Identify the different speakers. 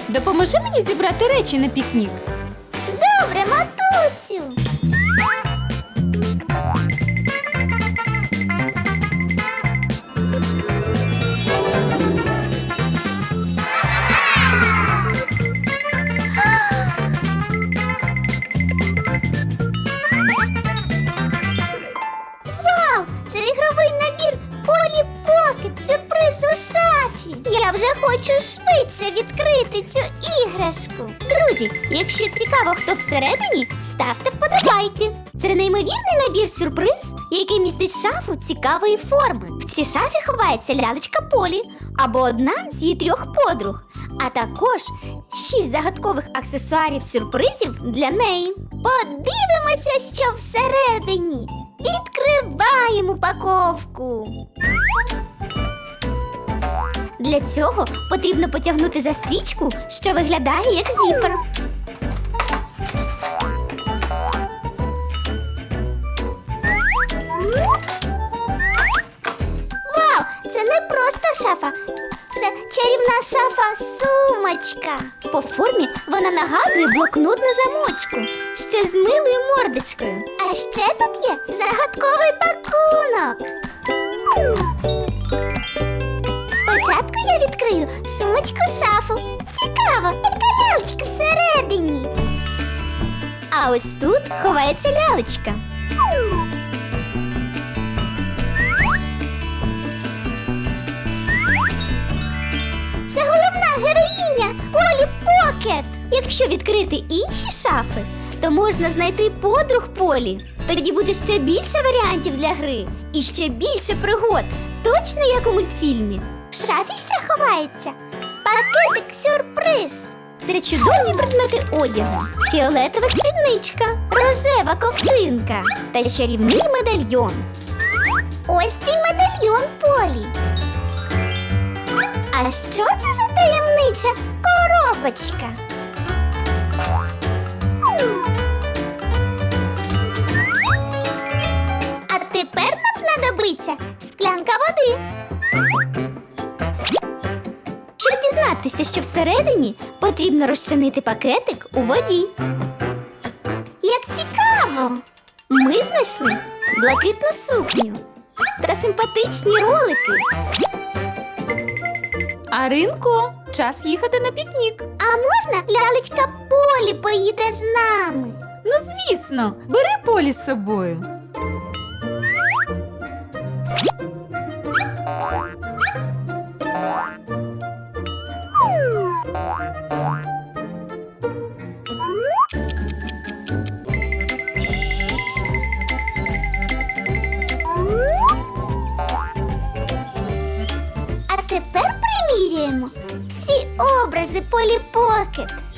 Speaker 1: допоможи мені зібрати речі на пікнік.
Speaker 2: Добре, матусю. Вау! Це ігровий набір Polly Pocket сюрприз у шафі. Я вже хочу швидше відкрити цю іграшку. Друзі, якщо цікаво, хто всередині, ставте вподобайки. Це неймовірний набір сюрприз, який містить шафу цікавої форми. В цій шафі ховається лялечка Полі або одна з її 3 подруг, а також 6 загадкових аксесуарів-сюрпризів для неї. Подивимося, що всередині. Відкриваємо упаковку. Для цього потрібно потягнути за стрічку, що виглядає як зіпер. Вау! Це не просто шафа, це чарівна шафа-сумочка. По формі вона нагадує блокнот на замочку, ще з милою мордочкою. А ще тут є загадковий пакунок. Спочатку я відкрию сумочку-шафу. Цікаво, яка лялечка всередині. А ось тут ховається лялечка. Це головна героїня Polly Pocket. Якщо відкрити інші шафи, то можна знайти подруг Полі. Тоді буде ще більше варіантів для гри і ще більше пригод, точно як у мультфільмі. В шафі ще ховається пакетик-сюрприз. Це чудові предмети одягу, фіолетова спідничка, рожева ковтинка та чарівний медальйон. Ось твій медальйон, Полі. А що це за таємнича коробочка? А тепер нам знадобиться склянка води. Щоб дізнатися, що всередині, потрібно розчинити пакетик у воді. Як цікаво! Ми знайшли блакитну сукню та симпатичні ролики.
Speaker 1: Аринко, час їхати на пікнік.
Speaker 2: А можна лялечка Полі поїде з нами?
Speaker 1: Ну, звісно, бери Полі з собою.
Speaker 2: А тепер приміряємо всі образи Polly Pocket.